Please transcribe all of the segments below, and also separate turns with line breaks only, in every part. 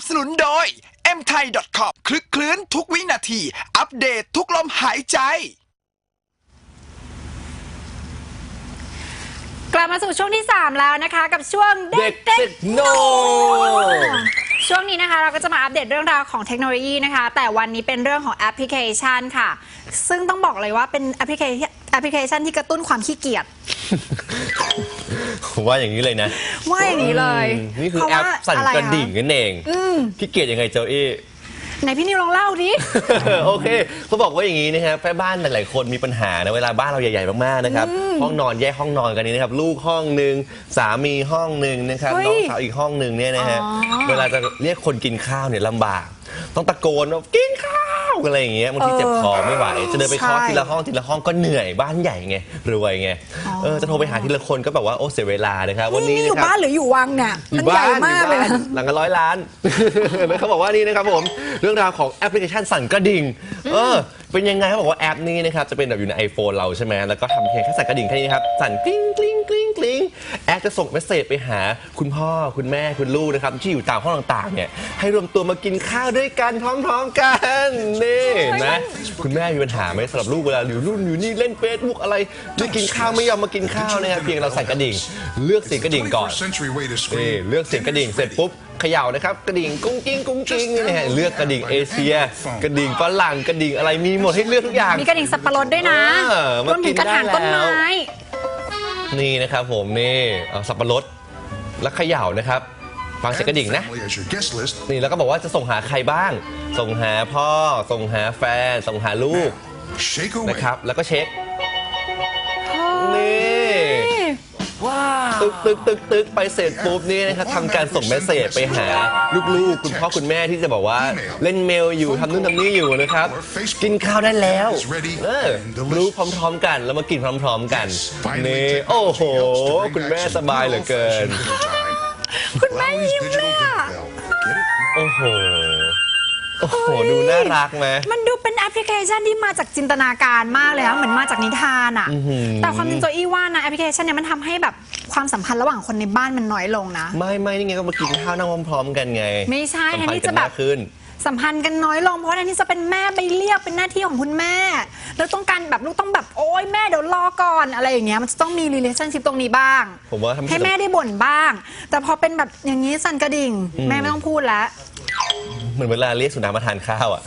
สนุนโดย mthai.com คลึกคลื้นทุกวินาทีอัปเดตทุกลมหายใจ
กลับมาสู่ช่วงที่3แล้วนะคะกับช่วงเด็กเทคโนช่วงนี้นะคะเราก็จะมาอัปเดตเรื่องราวของเทคโนโลยีนะคะแต่วันนี้เป็นเรื่องของแอปพลิเคชันค่ะซึ่งต้องบอกเลยว่าเป็นแอปพลิเคชันที่กระตุ้นความขี้เกียจ
ว่าอย่างนี้เลยนะ
ว่าอย่างนี้เลย
นี่คือแอปสั่นกระดิ่งนั่นเองขี้เกียจยังไงเจ้าอี้
ไหนพี่นิวลองเล่าดิ
โอเคเขาบอกว่าอย่างนี้นะครับแม่บ้านหลายๆคนมีปัญหานะเวลาบ้านเราใหญ่ๆมากๆนะครับห้องนอนแยกห้องนอนกันนี้นะครับลูกห้องนึงสามีห้องนึงนะครับน้องสาวอีกห้องนึงเนี่ยนะฮะเวลาจะเรียกคนกินข้าวเนี่ยลำบากต้องตะโกนว่ากินข้าวอะไรอย่างเงี้ยบางทีเจ็บคอไม่ไหวจะเดินไปเคาะทีละห้องก็เหนื่อยบ้านใหญ่ไงรวยไงจะโทรไปหาทีละคนก็แบบว่าโอ้เสียเวลานะครับวันนี้
อยู่บ้านหรืออยู่วังเนี่ยมันใหญ่มากเลย
หลังกัน100 ล้านแล้วเขาบอกว่านี่นะครับผมเรื่องราวของแอปพลิเคชันสั่นกระดิ่งเป็นยังไงเขาบอกว่าแอปนี้นะครับจะเป็นแบบอยู่ใน iPhone เราใช่ไหมแล้วก็ทำเพียงแค่สั่นกระดิ่งแค่นี้ครับสั่นกลิ้งกลิ้งกลิ้งกลิ้งแอปจะส่งเมสเซจไปหาคุณพ่อคุณแม่คุณลูกนะครับที่อยู่ตามห้องต่างๆเนี่ยให้รวมตัวมากินข้าวด้วยกันพร้อมๆกันนี่นะคุณแม่มีปัญหาไหมสำหรับลูกเวลาอยู่รุ่นอยู่นี่เล่นเฟซบุ๊กอะไรไม่กินข้าวไม่ยอมมากินข้าวนะครับเพียงเราสั่นกระดิ่งเลือกเสียงกระดิ่งก่อนนี่เลือกเสียงกระดิ่งเสร็จปุ๊บเขย่านะครับกระดิ่งกุ้งกิ้งกุ้งกิ้งนี่ฮะเลือกกระดิ่งเอเชียกระดิ่งฝรั่งกระดิ่งอะไรมีหมดให้เลือกทุกอย่าง
มีกระดิ่งสับปะรดด้วยนะรวมถึงกระถางต้นไม้
นี่นะครับผมนี่สับปะรดแล้วเขย่านะครับฟังเสียงกระดิ่งนะนี่แล้วก็บอกว่าจะส่งหาใครบ้างส่งหาพ่อส่งหาแฟนส่งหาลูกนะครับแล้วก็เช็คนี่ตึกไปเสร็จปุ๊บนี่นะครับทำการส่งเมสเสจไปหาลูกๆคุณพ่อคุณแม่ที่จะบอกว่าเล่นเมลอยู่ทำนู่นทำนี่อยู่นะครับกินข้าวได้แล้วรู้พร้อมๆกันแล้วมากินพร้อมๆกันนี่โอ้โหคุณแม่สบายเหลือเกิน
คุณแม่ยิ้มเลยอ่ะ
โอ้โหดูน่ารักไหม
มันดูเป็นแอปพลิเคชันที่มาจากจินตนาการมากเลยอะเหมือนมาจากนิทานอะแต่ความจริงโจอี้ว่านะแอปพลิเคชันเนี้ยมันทำให้แบบความสัมพันธ์ระหว่างคนในบ้านมันน้อยลงนะ
ไม่นี่ไงก็มากินข้าวนั่งพร้อมๆกันไง
ไม่ใช่แทนที่จะแบบสัมพันธ์กันน้อยลงเพราะแทนที่จะเป็นแม่ไปเรียกเป็นหน้าที่ของคุณแม่แล้วต้องการแบบลูกต้องแบบโอ๊ยแม่เดี๋ยวรอก่อนอะไรอย่างเงี้ยมันจะต้องมี relationship ตรงนี้บ้าง
ผมว่า
ให้แม่ได้บ่นบ้างแต่พอเป็นแบบอย่างนี้สั่นกระดิ่งแม่ไม่ต้องพูดแล้ว
เหมือนเวลาเรียกสุนัขมาทานข้าวอ่ะ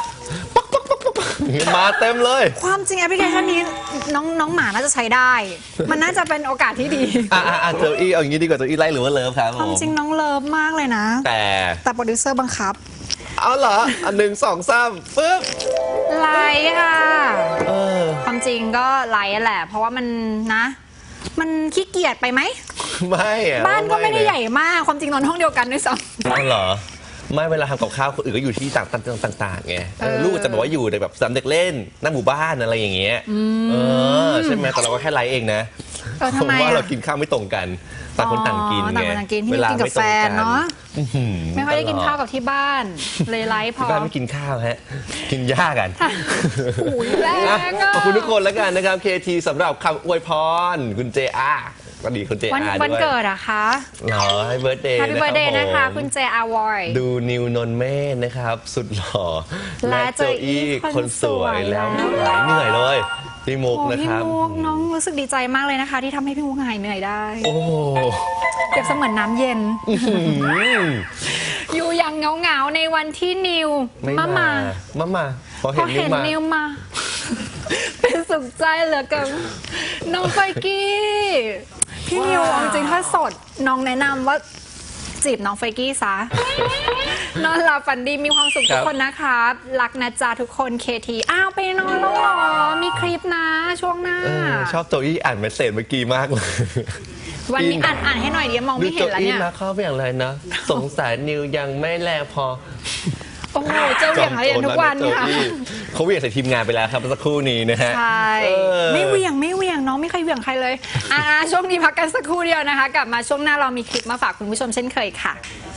มาเต็มเลย
ความจริงแอปพลิเคชันนี้น้องหมาน่าจะใช้ได้มันน่าจะเป็นโอกาสที่ดี
เจออี้เอาอย่างนี้ดีกว่าเจออี้ไล่หรือว่าเลิฟครับ
ความจริงน้องเลิฟมากเลยนะแต่โปรดิวเซอร์บังคับ
เอาเหรอ1 2 3ปึ๊บ
ไลค์ค่ะความจริงก็ไลค์แหละเพราะว่ามันนะมันขี้เกียจไปไหม
ไม่
บ้านก็ไม่ได้ใหญ่มากความจริงนอนห้องเดียวกันด้วยซ้
ำอ๋อเหรอไม่เวลาทำกับข้าวคนอื่นก็อยู่ที่ต่างๆไงลูกจะบอกว่าอยู่ในแบบสนามเด็กเล่นหน้าหมู่บ้านอะไรอย่างเงี้ยใช่ไหมแต่เราก็แค่ไลฟ์เองนะเพราะว่าเรากินข้าวไม่ตรงกันต่างคนต่างกินไง
เวลาไม่ตรงกันเนาะไม่ค่อยได้กินข้าวกับที่บ้านเลยไลฟ์พอ
ที่บ้านไม่กินข้าวฮะกินหญ้ากันขอบคุณทุกคนแล้วกันนะครับ KT สำหรับคำอวยพรคุณเจอาก็ดีคุณเจอาด้วย
วันเกิดอะคะ
เหรอให้เบิร์ธเดย์
นะคะคุณเจอาวอย
ดูนิวนนเมธนะครับสุดหล่อและโจอี้คนสวยแล้วหายเหนื่อยเลยพี่มุกนะครับ
พี่มุกน้องรู้สึกดีใจมากเลยนะคะที่ทำให้พี่มุกหายเหนื่อยได้โอ้เปรียบเสมือนน้ำเย็นอยู่อย่างเหงาในวันที่นิว
มาพอ
เห็นนิวมาเป็นสุขใจเหลือเกินน้องไฟกี้พี่นิวจริงๆถ้าสดน้องแนะนำว่าจีบน้องไฟกี้ซะนอนหลับฝันดีมีความสุขทุกคนนะครับรักนะจ๊ะทุกคนKTไปนอนแล้วหรอมีคลิปนะช่วงหน้า
ชอบโจอี้อ่านเมสเซจเมื่อกี้มากเลย
วันนี้อ่านให้หน่อยเดี๋ยวมองไม่เห็นแล้วเนี่ย
ดูโจอี้มาเข้าไปอย่างไรนะสงสารนิวยังไม่แลพอ
โอ้โหเจ้าเหวี่ยงอะไรทุกวันค่ะ
เขาเหวี่ยงใส่ทีมงานไปแล้วครับสักครู่นี้นะฮะ
ใช่ไม่เหวี่ยงน้องไม่เคยเหวี่ยงใครเลยช่วงนี้พักกันสักครู่เดียวนะคะกลับมาช่วงหน้าเรามีคลิปมาฝากคุณผู้ชมเช่นเคยค่ะ